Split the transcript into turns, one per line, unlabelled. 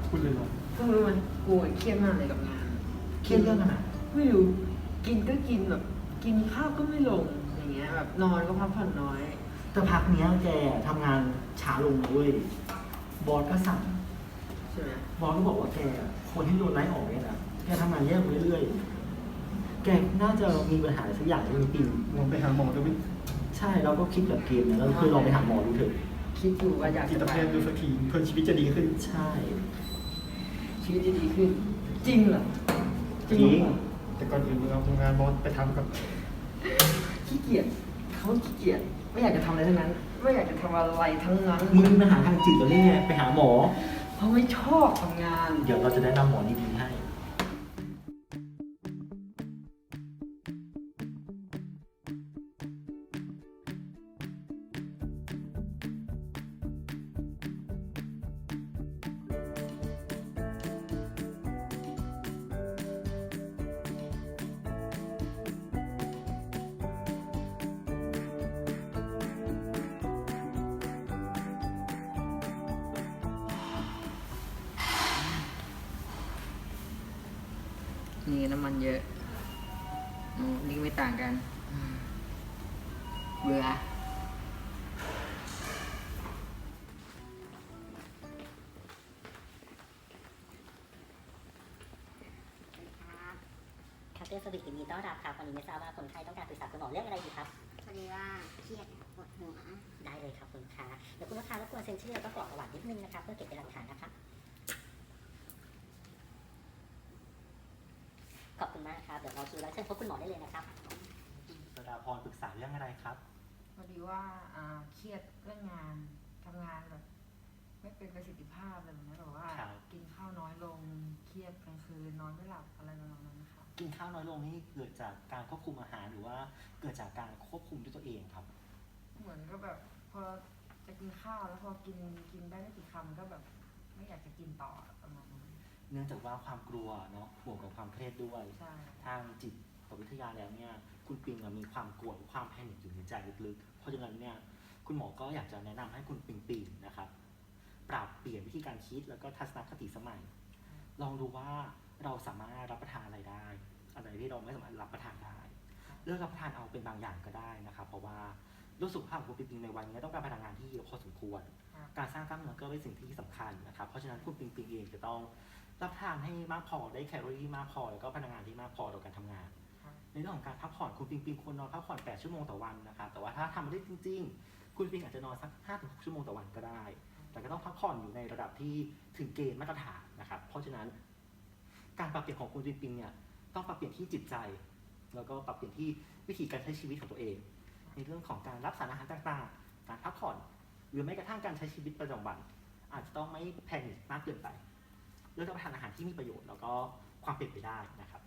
พูดเลยเหรอ
ก็รู้มันกูเครียดมากเลยกับงาน
เครียดเรื่องอะไร
ไม่รู้กินก็กินแบบกินข้าวก็ไม่ลงอย่างเงี้ยแบบนอนก็พักผ่อนน้อย
แต่พักเนี้ยแกทำงานช้าลงนะเว้ยบอสก็สั่ง
ใช่ไหม
บอสก็บอกว่าแกคนที่โดนไล่ออกเนี่ยนะแกทำงานแย่ลงเรื่อยๆแกน่าจะมีปัญหาสักอย่างในปี
ลองไปหาหมอดูไหม
ใช่เราก็คิดแบบเกมนะเราคือลองไปหาหมอดูเถอะ
คิดอยู่ว่าอยาก
จิต
จะ
แพทย์ดูสักทีเพื่อชีวิตจะดีขึ้น
ใช่
ชีวิตจะดีขึ้น จริงเหรอ
จริง
แต่ก่อนอื่นเราทำงานบอสไปทำก่อน
ขี้เกียจเขาขี้เกียจไม่อยากจะทำอะไรทั้งนั้น ไม่อยากจะทำอะไรทั้งนั้น
มึงมีปัญหาทางจิตหรือไงไปหาหมอ
เพราะไม่ชอบทำงาน
เดี๋ยวเราจะแนะนำหมอดีๆให้
นี่น้ำมันเยอะนี่ไม่ต่างกัน เบื่อ
คาเฟ่สวิตยินดีต้อนรับครับวันนี้ไม่ทราบว่าคนไข้ต้องการปรึกษาคุณหมอเรื่องอะไรดีครับ
พอดีว่าเครียดปวดหัว
ได้เลยครับคุณลูกค้าเดี๋ยวคุณลูกค้ารบกวนเซ็นชื่อแล้วก็กรอกประวัตินิดนึงนะครับเพื่อเก็บเป็นหลักฐานนะครับขอบคุณมากครับเดี๋ยวเราคิวแล้วเชิญพบคุณหมอได้เลยนะครับ
สดาพรปรึกษาเรื่องอะไรครับ
พอดีว่าเครียดเรื่องงานทำงานแบบไม่เป็นประสิทธิภาพอะไรแบบนี้แบบว่ากินข้าวน้อยลงเครียดกลางคืนนอนไม่หลับอะไรประมาณนั้นนะคะ
กินข้าวน้อยลงนี่เกิดจากการควบคุมอาหารหรือว่าเกิดจากการควบคุมด้วยตัวเองครับ
เหมือนก็แบบพอจะกินข้าวแล้วพอกินได้ไม่กี่คำก็แบบไม่อยากจะกินต่อประมาณนั้น
เนื่องจากว่าความกลัวเนาะบวกกับความเครียดด้วยทางจิตวิทยาแล้วเนี่ยคุณปิงมีความกลัวความแพนิคอยู่ในใจลึกๆเพราะฉะนั้นเนี่ยคุณหมอก็อยากจะแนะนำให้คุณปิงนะครับปรับเปลี่ยนวิธีการคิดแล้วก็ทัศนคติสมัยลองดูว่าเราสามารถรับประทานอะไรได้อะไรที่เราไม่สามารถรับประทานได้เลือกรับประทานเอาเป็นบางอย่างก็ได้นะครับเพราะว่ารู้สุขภาพของคุณปิงในวันนี้ต้องการพลังงานที่เยอะพอสมควรการสร้างกล้ามเนื้อก็เป็นสิ่งที่สำคัญนะครับเพราะฉะนั้นคุณปิงเองจะต้องรับประทานให้มากพอได้แคลอรี่มากพอแล้วก็พลังงานที่มากพอต่อการทำงานในเรื่องของการพักผ่อนคุณปิงควรนอนพักผ่อน8 ชั่วโมงต่อวันนะครับแต่ว่าถ้าทำไม่ได้จริงๆคุณปิงอาจจะนอนสัก 5-6 ชั่วโมงต่อวันก็ได้แต่ก็ต้องพักผ่อนอยู่ในระดับที่ถึงเกณฑ์มาตรฐานนะครับเพราะฉะนั้นการปรับเปลี่ยนของคุณปิงเนี่ยต้องปรับเปลี่ยนที่จิตใจแล้วก็ปรับเปลี่ยนที่วิธีการใช้ชีวิตของตัวเองในเรื่องของการรับสารอาหารต่างๆการพักผ่อนหรือแม้กระทั่งการใช้ชีวิตประจำวันอาจจะต้องไม่แพนิคมากเกินไปเลือกรับประทานอาหารที่มีประโยชน์แล้วก็ความเป็นไปได้นะครับ